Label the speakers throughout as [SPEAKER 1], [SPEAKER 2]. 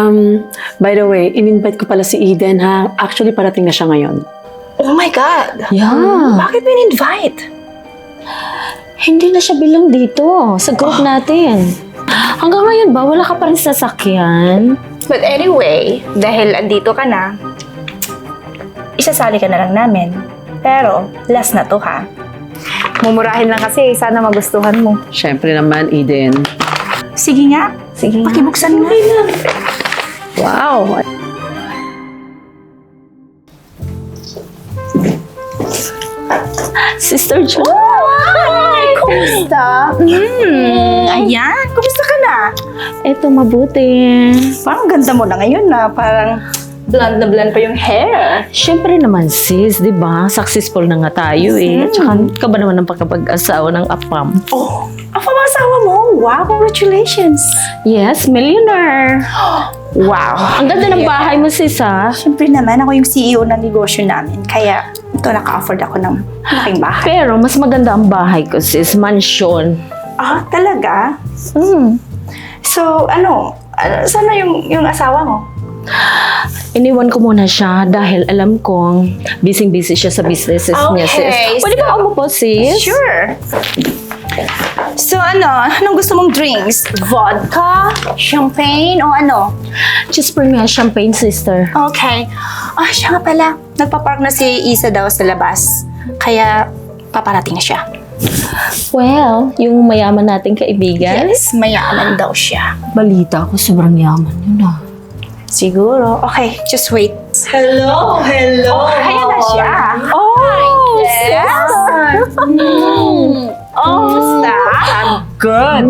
[SPEAKER 1] By the way, in-invite ko pala si Eden ha. Actually, parating na siya ngayon.
[SPEAKER 2] Oh my God!
[SPEAKER 3] Yeah.
[SPEAKER 2] Bakit mo in-invite?
[SPEAKER 3] Hindi na siya bilang dito sa group natin. Hanggang ngayon ba, wala ka pa rin sasakyan?
[SPEAKER 2] But anyway, dahil andito ka na, isasali ka na lang namin. Pero, last na to ha. Mumurahin lang kasi, sana magustuhan mo.
[SPEAKER 1] Siyempre naman, Eden.
[SPEAKER 2] Sige nga.
[SPEAKER 3] Sige.
[SPEAKER 2] Pakibuksan nga.
[SPEAKER 1] Wow!
[SPEAKER 3] Sister Jo.
[SPEAKER 2] Hi! Kumusta? Ayan, kumusta ka na?
[SPEAKER 3] Eto, mabuti.
[SPEAKER 2] Parang ganda mo na ngayon na parang blonde na blonde pa yung hair.
[SPEAKER 3] Siyempre naman sis, di ba? Successful na nga tayo eh. Tsaka ka ba naman ang pagkapag-asawa ng apam?
[SPEAKER 2] Oh, ang pamasawa mo. Wow, congratulations.
[SPEAKER 3] Yes, millionaire.
[SPEAKER 2] Wow.
[SPEAKER 3] Ang ganda ng bahay mo sis ha.
[SPEAKER 2] Siyempre naman, ako yung CEO ng negosyo namin. Kaya, ito naka-afford ako ng malaking bahay.
[SPEAKER 3] Pero mas maganda ang bahay ko sis, mansion.
[SPEAKER 2] Ah, talaga? So, saan na yung asawa mo?
[SPEAKER 3] Iniwan ko muna siya dahil alam kong busy-busy siya sa businesses niya sis.
[SPEAKER 2] Okay,
[SPEAKER 3] Pwede ba umupo sis?
[SPEAKER 2] Sure. So, anong gusto mong drinks? Vodka? Champagne? O ano?
[SPEAKER 3] Just bring me a champagne sister.
[SPEAKER 2] Okay. Ah, siya nga pala. Nagpapark na si Isa daw sa labas. Kaya, paparating na siya.
[SPEAKER 3] Well, yung mayaman nating kaibigan.
[SPEAKER 2] Yes, mayaman daw siya.
[SPEAKER 3] Balita ko sobrang yaman yun ah.
[SPEAKER 2] Siguro. Okay, just wait.
[SPEAKER 4] Hello! Hello!
[SPEAKER 2] Ayan na siya.
[SPEAKER 3] Oh,
[SPEAKER 2] Yes. Kamusta?
[SPEAKER 4] Good!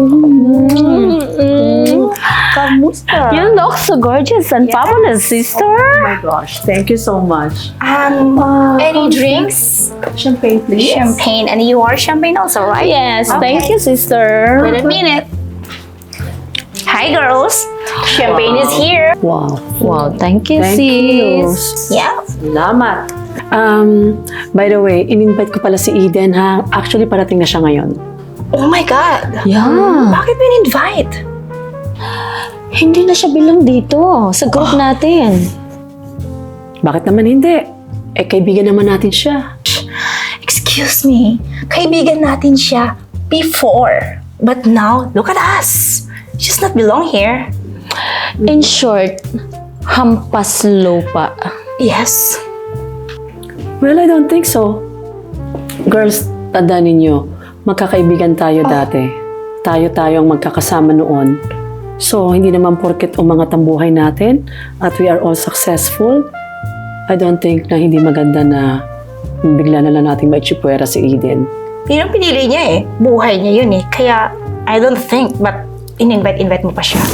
[SPEAKER 2] Kamusta?
[SPEAKER 3] You look so gorgeous and fabulous, sister.
[SPEAKER 4] Oh my gosh, thank you so much.
[SPEAKER 2] Any drinks?
[SPEAKER 4] Champagne, please.
[SPEAKER 2] Champagne. And you are champagne also, right?
[SPEAKER 3] Yes,
[SPEAKER 2] Okay.
[SPEAKER 3] thank you, sister.
[SPEAKER 2] Wait a minute. Hi, girls. Champagne is here.
[SPEAKER 1] Wow.
[SPEAKER 3] Wow, thank you,
[SPEAKER 1] Thank
[SPEAKER 3] sis.
[SPEAKER 1] you.
[SPEAKER 2] Yeah.
[SPEAKER 4] Salamat.
[SPEAKER 1] By the way, in-invite ko pala si Eden ha. Actually, parating na siya ngayon.
[SPEAKER 2] Oh my God.
[SPEAKER 3] Yeah.
[SPEAKER 2] Bakit mo in-invite?
[SPEAKER 3] Hindi na siya bilang dito sa group natin.
[SPEAKER 1] Bakit naman hindi? Eh, kaibigan naman natin siya.
[SPEAKER 2] Excuse me. Kaibigan natin siya before. But now, look at us. She's not belong here.
[SPEAKER 3] In short, hampas lupa.
[SPEAKER 2] Yes.
[SPEAKER 1] Well, I don't think so. Girls, tandaan ninyo, magkakaibigan tayo dati. Tayo ang magkakasama noon. So, hindi naman porket umangat ang buhay natin at we are all successful, I don't think na hindi maganda na bigla na lang nating maitsipwera si Eden.
[SPEAKER 2] Yun ang pinili niya eh. Buhay niya yun eh. Kaya, I don't think, but in-invite mo pa siya.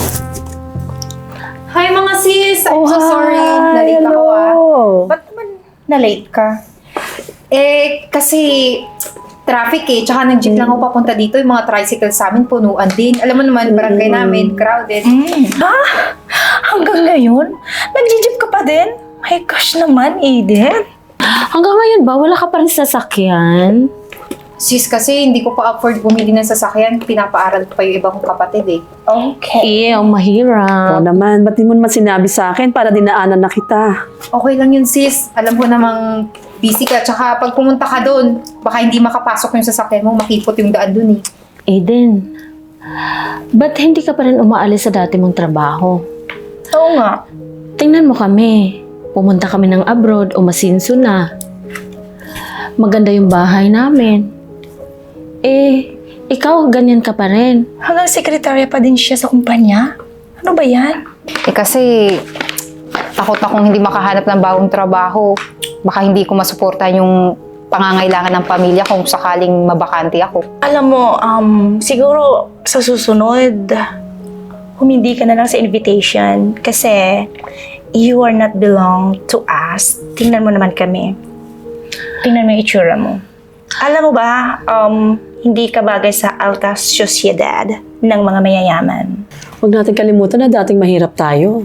[SPEAKER 5] Hi mga sis! I'm so sorry. Na-late ako ah.
[SPEAKER 2] Ba't naman na-late ka?
[SPEAKER 5] Kasi traffic eh. Tsaka nag-jeep lang ako papunta dito. Yung mga tricycle sa amin, punuan din. Alam mo naman, barangay namin, crowded.
[SPEAKER 2] Ah, hanggang ngayon? Nag-jeep ka pa din? My gosh naman, Eden.
[SPEAKER 3] Hanggang ngayon ba, wala ka pa rin sasakyan?
[SPEAKER 5] Sis, kasi hindi ko pa afford bumili ng sasakyan. Pinapaaral ko pa yung ibang kapatid eh.
[SPEAKER 2] Okay.
[SPEAKER 3] Ang mahirap.
[SPEAKER 1] Oo naman, ba't di mo naman sinabi sa akin para dinaanan na kita?
[SPEAKER 5] Okay lang yun sis. Alam ko namang busy ka. Tsaka pag pumunta ka doon, baka hindi makapasok yung sasakyan mo. Makipot yung daan doon eh.
[SPEAKER 3] Eden, ba't hindi ka pa rin umaalis sa dati mong trabaho?
[SPEAKER 2] Oo nga.
[SPEAKER 3] Tingnan mo kami. Pumunta kami ng abroad o masinso na. Maganda yung bahay namin. Ikaw ganyan ka pa rin.
[SPEAKER 2] Hanggang sekretarya pa din siya sa kumpanya? Ano ba yan?
[SPEAKER 5] Kasi takot akong hindi makahanap ng bagong trabaho. Baka hindi ko masuporta yung pangangailangan ng pamilya kung sakaling mabakante ako.
[SPEAKER 2] Alam mo, siguro sa susunod, humindi ka na lang sa invitation kasi you are not belong to us. Tingnan mo naman kami. Tingnan mo yung itsura mo. Alam mo ba, hindi ka bagay sa alta sociedad ng mga mayayaman.
[SPEAKER 1] Huwag natin kalimutan na dating mahirap tayo.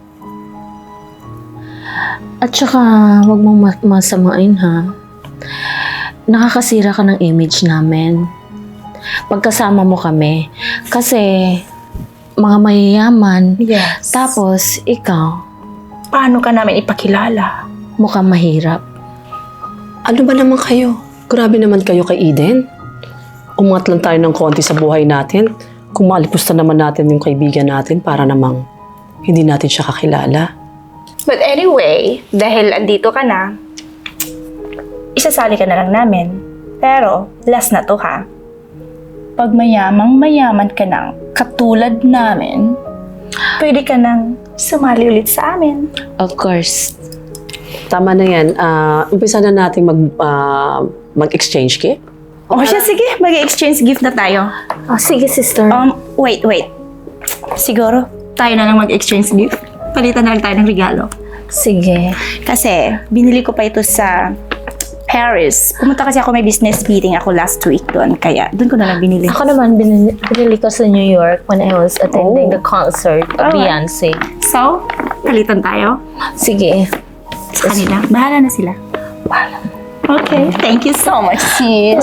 [SPEAKER 3] At saka, huwag mong masamain ha. Nakakasira ka ng image namin. Pagkasama mo kami. Kasi, mga mayayaman.
[SPEAKER 2] Yes.
[SPEAKER 3] Tapos, ikaw,
[SPEAKER 2] Paano ka namin ipakilala?
[SPEAKER 3] mukhang mahirap.
[SPEAKER 1] Ano ba naman kayo? Grabe naman kayo kay Eden. Umangat lang tayo ng konti sa buhay natin. Kung maalipusta naman natin yung kaibigan natin para namang hindi natin siya kakilala.
[SPEAKER 2] But anyway, dahil andito ka na, isasali ka na lang namin. Pero, last na to ha. Pag mayaman ka ng katulad namin, pwede ka nang sumali ulit sa amin.
[SPEAKER 3] Of course.
[SPEAKER 1] Tama na yan. Umpisa na natin mag-exchange gift.
[SPEAKER 2] O siya, sige, mag-exchange gift na tayo.
[SPEAKER 3] Oh, sige, sister.
[SPEAKER 2] Wait. Siguro, tayo na lang mag-exchange gift. Palitan na lang tayo ng regalo.
[SPEAKER 3] Sige.
[SPEAKER 2] Kasi, binili ko pa ito sa Paris. Pumunta kasi ako, may business meeting ako last week doon. Kaya, doon ko na lang binili.
[SPEAKER 3] Ako naman, binili ko sa New York when I was attending the concert of
[SPEAKER 2] Alright.
[SPEAKER 3] Beyonce.
[SPEAKER 2] So, palitan tayo
[SPEAKER 3] Sige.
[SPEAKER 2] sa kanila. Bahala na sila. Okay. Thank you so much, sis.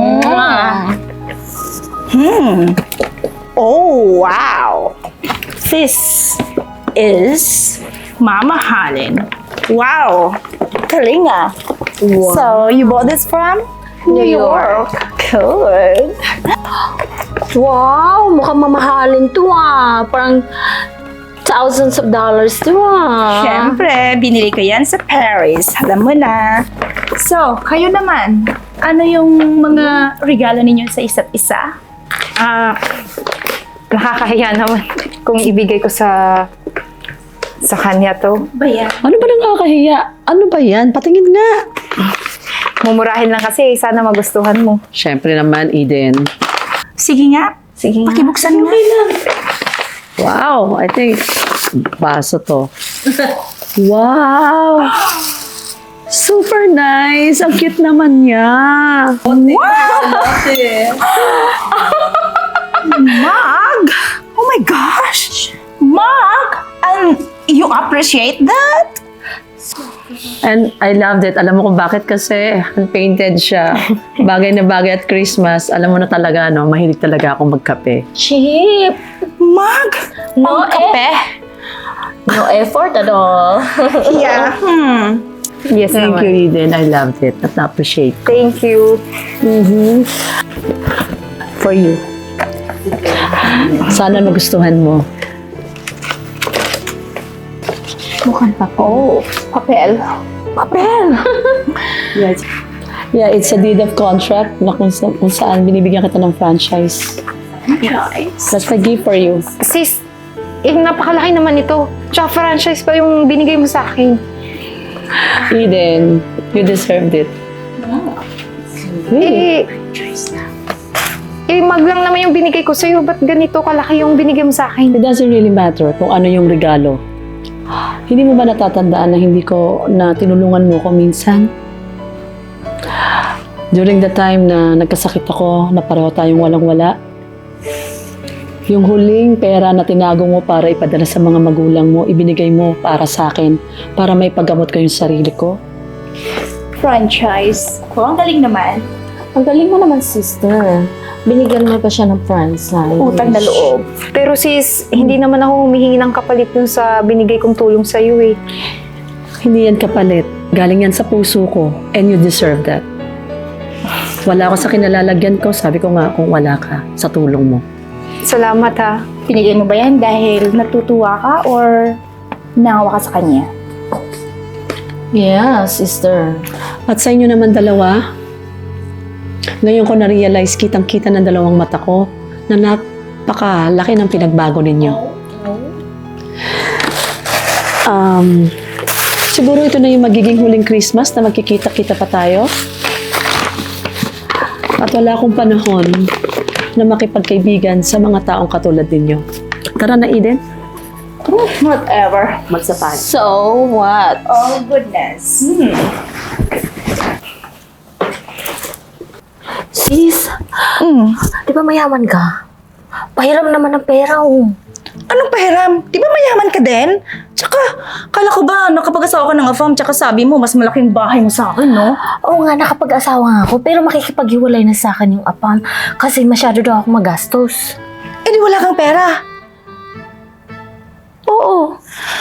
[SPEAKER 2] Oh, wow. This is mamahalin. Wow. Galing ah. So, you bought this from? New York. Good.
[SPEAKER 3] Wow, mukhang mamahalin to Parang thousands of dollars to
[SPEAKER 2] Siyempre, binili ko yan sa Paris. Alam mo na. So, kayo naman, ano yung mga regalo ninyo sa isa't isa?
[SPEAKER 5] Nakakahiya naman kung ibigay ko sa kanya to.
[SPEAKER 2] Bayan.
[SPEAKER 1] Ano ba nakakahiya? Ano ba yan? Patingin nga.
[SPEAKER 5] Mumurahin lang kasi, sana magustuhan mo.
[SPEAKER 1] Siyempre naman, Eden.
[SPEAKER 2] Sige nga.
[SPEAKER 3] Sige nga.
[SPEAKER 2] Pakibuksan mo.
[SPEAKER 1] Wow, I think baso to. Wow! Super nice! Ang cute naman niya.
[SPEAKER 2] Mug! Oh my gosh! Mug! And you appreciate that?
[SPEAKER 1] And I loved it. Alam mo kung bakit? Kasi hand-painted siya. Bagay na bagay at Christmas. Alam mo na talaga, no? Mahilig talaga akong magkape.
[SPEAKER 3] Cheap.
[SPEAKER 2] Mug!
[SPEAKER 3] No,
[SPEAKER 2] Kape?
[SPEAKER 3] No effort at all.
[SPEAKER 2] Yeah.
[SPEAKER 5] Yes
[SPEAKER 1] Thank
[SPEAKER 5] naman.
[SPEAKER 1] you, Eden. I loved it. At na-appreciate.
[SPEAKER 5] Thank you.
[SPEAKER 1] For you. Sana magustuhan mo.
[SPEAKER 3] Mukhang pa
[SPEAKER 2] Oh, papel. Papel!
[SPEAKER 1] Yes. Yeah, it's a deed of contract na kung saan binibigyan kita ng franchise. That's a gift for you.
[SPEAKER 5] Sis, napakalaki naman ito. Tsaka franchise pa yung binigay mo sa akin.
[SPEAKER 1] Eden, you deserved it. Really?
[SPEAKER 5] Mag lang naman yung binigay ko sa'yo. Ba't ganito kalaki yung binigay mo sa akin?
[SPEAKER 1] It doesn't really matter kung ano yung regalo. Hindi mo ba natatandaan na hindi ko na tinulungan mo ko minsan? During the time na nagkasakit ako, na pareho tayong walang-wala, yung huling pera na tinago mo para ipadala sa mga magulang mo, ibinigay mo para sa akin, para may paggamot ko yung sarili ko.
[SPEAKER 2] Franchise. Oh, ang galing naman.
[SPEAKER 3] Ang galing mo naman, sister. Binigyan mo pa siya ng franchise.
[SPEAKER 2] Utang na loob.
[SPEAKER 5] Pero sis, hindi naman ako humihingi ng kapalit dun sa binigay kong tulong sa'yo eh.
[SPEAKER 1] Hindi yan kapalit. Galing yan sa puso ko. And you deserve that. Wala ako sa kinalalagyan ko. Sabi ko nga kung wala ka sa tulong mo.
[SPEAKER 5] Salamat ha.
[SPEAKER 2] Pinigay mo ba yan dahil natutuwa ka or nangawa ka sa kanya?
[SPEAKER 3] Yeah, sister.
[SPEAKER 1] At sa inyo naman dalawa, ngayon ko na-realize kitang-kita ng dalawang mata ko na napakalaki ng pinagbago ninyo. Siguro ito na yung magiging huling Christmas na magkikita-kita pa tayo. At wala akong panahon na makipagkaibigan sa mga taong katulad ninyo. Tara na, Eden.
[SPEAKER 2] Whatever.
[SPEAKER 1] Magsapay.
[SPEAKER 3] So, what?
[SPEAKER 2] Oh, goodness.
[SPEAKER 3] Sis, di ba mayaman ka? Pahiram naman ng pera,
[SPEAKER 2] Anong pahiram? Di ba mayaman ka din? Tsaka, kala ko ba nakapag-asawa ka ng afam tsaka sabi mo mas malaking bahay mo sa akin, no?
[SPEAKER 3] Oo nga, nakapag-asawa nga ako, pero makikipaghiwalay na sa akin yung apam kasi masyado daw ako magastos.
[SPEAKER 2] Eh di wala kang pera.
[SPEAKER 3] Oo.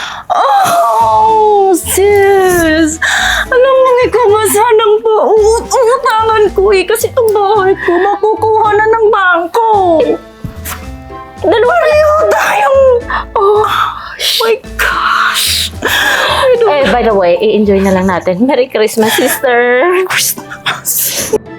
[SPEAKER 2] Oh, sis! Alam mo, ikaw nga sanang pautangan ko eh. Kasi itong bahay ko, makukuha na ng bangko.
[SPEAKER 3] Dalawa
[SPEAKER 2] Pareho tayong... Oh, my gosh!
[SPEAKER 3] Eh, by the way, i-enjoy na lang natin. Merry Christmas, sister!
[SPEAKER 2] Christmas!